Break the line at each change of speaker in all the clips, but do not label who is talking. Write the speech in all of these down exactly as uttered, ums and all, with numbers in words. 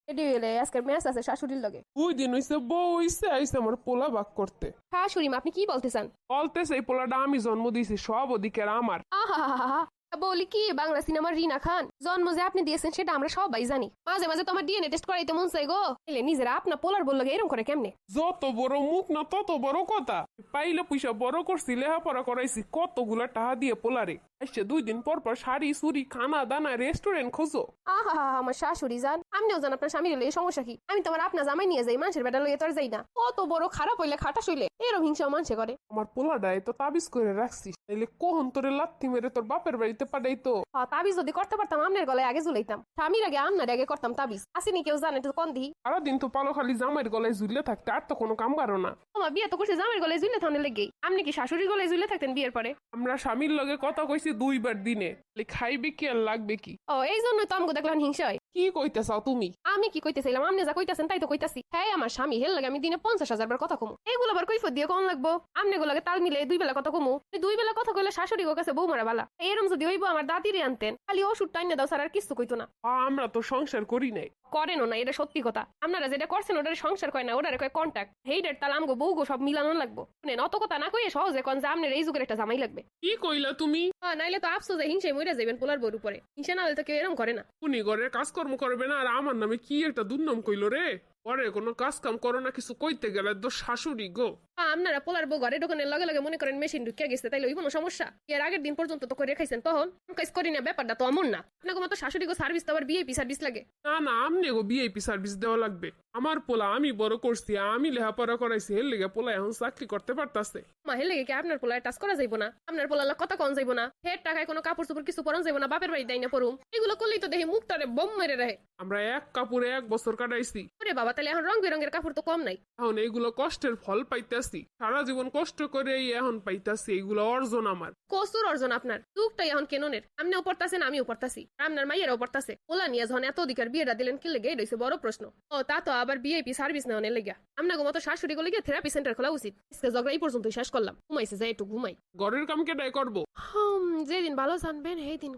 এটি হইলে আজকের ম্যাচ আছে শাশুড়ির লগে।
ওই দিন হইছে বউ হইছে আইছে আমার পোলা বাক করতে।
শাশুড়ি মা আপনি কি বলতে চান?
বলতেছে এই পোলাটা আমি জন্ম দিয়েছি, সব অধিকার আমার।
আহা বলি কি, বাংলা সিনেমার রিনা খান জন্ম যে আপনি দিয়েছেন সেটা আমরা সবাই জানি। মাঝে মাঝে তোমার ডিএনএ টেস্ট করাইতে মন চাই গো। এলে নিজেরা আপনার পোলার বললো এরকম করে কেমনে?
যত বড় মুখ না তত বড় কথা। পাইলে পয়সা বড় করছি, লেহাপড়া করাইছি কতগুলা টাকা দিয়ে পোলারে। আইসে দুই দিন পর পর শাড়ি চুরি খানা দানা রেস্টুরেন্ট খোঁজো।
আহা আমার শাশুড়ি যান, আমিও জান আপনার স্বামীর লইয়ে সমস্যা কি। আমি তোমার আপনার জামাই নিয়ে যাই, মানুষের বেটা লইয়ে তোর যাই না। কত বড় খারাপ হইলে খাটা শুইলে এরকম হিংসা মানুষে করে।
আমার পোলাডায় তো তাবিজ করে রাখছিস, তাইলে কখন তোরে লাথি মেরে তোর বাপের বাড়িতে পাঠাইতো।
হ্যাঁ তাবিজ যদি করতে পারতাম আমনের গলায় আগে ঝুলাইতাম, স্বামীর আগে আমনার আগে করতাম তাবিজ। আসিনি কেউ জানে তো কোন দি।
সারাদিন তো পালো খালি জামাইয়ের গলায় ঝুলে থাকতে, আর তো কোনো কাম কারো না।
তোমার বিয়ে তো করছে জামাইয়ের গলায় ঝুলে থাকলে লেগেই। আপনি কি শাশুড়ির গলায় ঝুলে থাকতেন বিয়ের পরে?
আমরা স্বামীর লগে কথা কইছি দুইবার দিনে, খাইবে কি আর লাগবে কি।
ও এই জন্যই তো আমাকে দেখলাম হিংসা হয়।
কি কইতে চাও তুমি?
আমি কি কইতেছিলাম, আপনি যা কইতাছেন তাই তো কইতাছি। হ্যাঁ আমার স্বামী হেল লাগে আমি দিনে পঞ্চাশ হাজার বার কথা কমু, এইগুলো আবার কৈফত দিয়ে কম লাগবো? আমনে গুলাকে তাল মিলে দুই বেলা কথা কমু। দুই বেলা কথা কইলে শাশুড়ি গো কাছে বউ মারা বালা। এরম যদি হইব আমার দাদিরে আনতেন, খালি ওষুধ টাইনে দাও স্যার আর কিছু কইতো না।
আমরা তো সংসার করি নাই।
করেনও না, এটা সত্যি কথা। আপনারা যেটা করছেন ওটার সংসার কয় না, ওটারে কয় কন্ট্যাক্ট। হেইডের তাল আমগো বউ গো সব মিলানো লাগবো। শুনেন অত কথা না কইয়ে সহজে কোন যে আমনের এই যুগের একটা জামাই লাগবে।
কি কইলা তুমি?
হ্যাঁ নাইলে তো আফসোসে হিংসে মইরা যাবেন পোলার বউর উপরে। হিংসা না হলে তো কেউ এরম করে না।
উনি ঘরের কাজকর্ম করবে না, আর আমার নামে কি একটা দুর্নাম কইলো রে। ঘরে কোনো কাজ কাম করো না, কিছু কইতে গেলে তো শাশুড়ি গো।
আপনারা পোলার বউ ঘরে ঢোকানোর লগে লগে মনে করেন মেশিন ঢুকিয়ে গেছে, তাইলে ওই কোনো সমস্যা? এর আগের দিন পর্যন্ত তো করে খাইছেন, তখন কাজ করি না, ব্যাপারটা তো এমন না। আপনাকে মতো শাশুড়ি গো সার্ভিস তো আবার বিএপি সার্ভিস লাগে
না না, আমনে গো ভিআইপি সার্ভিস দেওয়া লাগবে। আমার পোলা আমি বড় করছি, আমি লেহাপড়া করাইছি, এর লেগে পোলা এখন চাকরি করতে পারতাছে।
মা হেলে কি আপনার পোলায় টাচ করা যাইব না? আপনার পোলার কথা কন যাইব না? হের টাকায় কোনো কাপড় চোপড় কিছু পরন যাইব না, বাপের বাড়ি দেয় না পড়ুম। এগুলো করলেই তো দেখি মুখটারে বোম মেরে রাখে।
আমরা এক কাপড়ে এক বছর কাটাইছি।
ওরে বাবা, তাহলে এখন রং বেরঙের কাপড় তো কম নাই।
এখন এইগুলো কষ্টের ফল পাইতাছি, সারা জীবন কষ্ট করে এখন পাইতাছি, এইগুলো অর্জন আমার।
কসুর অর্জন আপনার, দুঃখটাই এখন কেননের। আপনিও পড়তাছেন আমিও পড়তাছি, আপনার মাইয়েরাও পড়তাছে। ওলা নিয়ে যখন এত অধিকার বিয়েটা দিলেন কি লেগে, এটা হইছে বড় প্রশ্ন। ও তা তো আবার বিআইপি সার্ভিস নেওয়ার লেগে। আপনাকে মতো শাশুড়ি গুলো গিয়ে থেরাপি সেন্টার খোলা উচিত। আজকে ঝগড়া এই পর্যন্তই শেষ করলাম, ঘুমাইছে যাই একটু ঘুমাই।
ঘরের কাম কেটাই করবো?
হুম যেদিন ভালো জানবেন সেই দিন।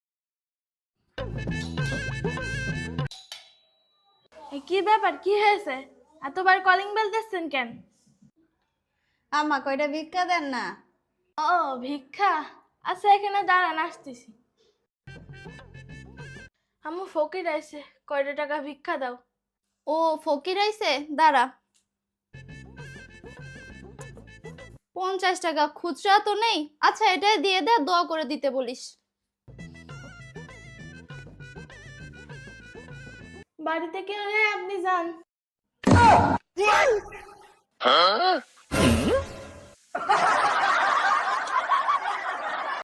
কি ব্যাপার, কি হয়েছে? এতবার কলিং বেল দিচ্ছেন কেন?
আমা কয়টা ভিক্ষা দেন না?
ও ভিক্ষা, আচ্ছা এখানে দাঁড়ান, আসতেছি। আম্মু ফকির আইছে, কয়টা টাকা ভিক্ষা দাও।
ও ফকির আইছে, দাঁড়া। পঞ্চাশ টাকা খুচরা তো নেই, আচ্ছা এটাই দিয়ে দে, দোয়া করে দিতে বলিস।
বাড়িতে কেউ নেই, আপনি যান।